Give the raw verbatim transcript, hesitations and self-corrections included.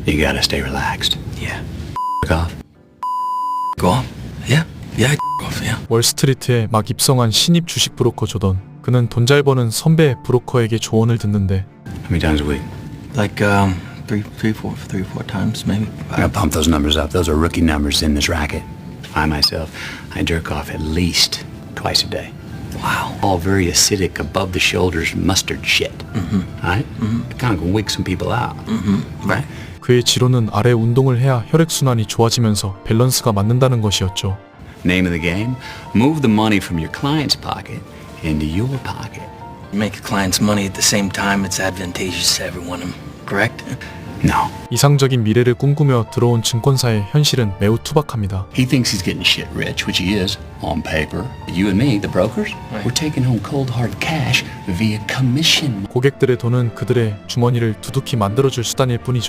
You gotta stay relaxed. Yeah. F off. Go off? Yeah. Yeah, go off, yeah. 월스트리트에 막 입성한 신입 주식 브로커 조던. 그는 돈 잘 버는 선배 브로커에게 조언을 듣는데 How many times a week? Like, um, three, three, four, three, four times, maybe. I gotta pump those numbers up. Those are rookie numbers in this racket. I myself, I jerk off at least twice a day. Wow. All very acidic, above the shoulders mustard shit. Mm-hmm. Right? Mm-hmm. It kind of can wig some people out. Mm-hmm. Right. 그의 지론은 아래 운동을 해야 혈액순환이 좋아지면서 밸런스가 맞는다는 것이었죠. Name of the game: move the money from your client's pocket into your pocket. You make your clients money at the same time, it's advantageous to everyone, correct? No. 이상적인 미래를 꿈꾸며 들어온 증권사의 현실은 매우 투박합니다. He thinks he's getting shit rich, which he is on paper. You and me, the brokers, we're taking home cold hard cash via commission. 고객들의 돈은 그들의 주머니를 두둑히 만들어줄 수단일 뿐이죠.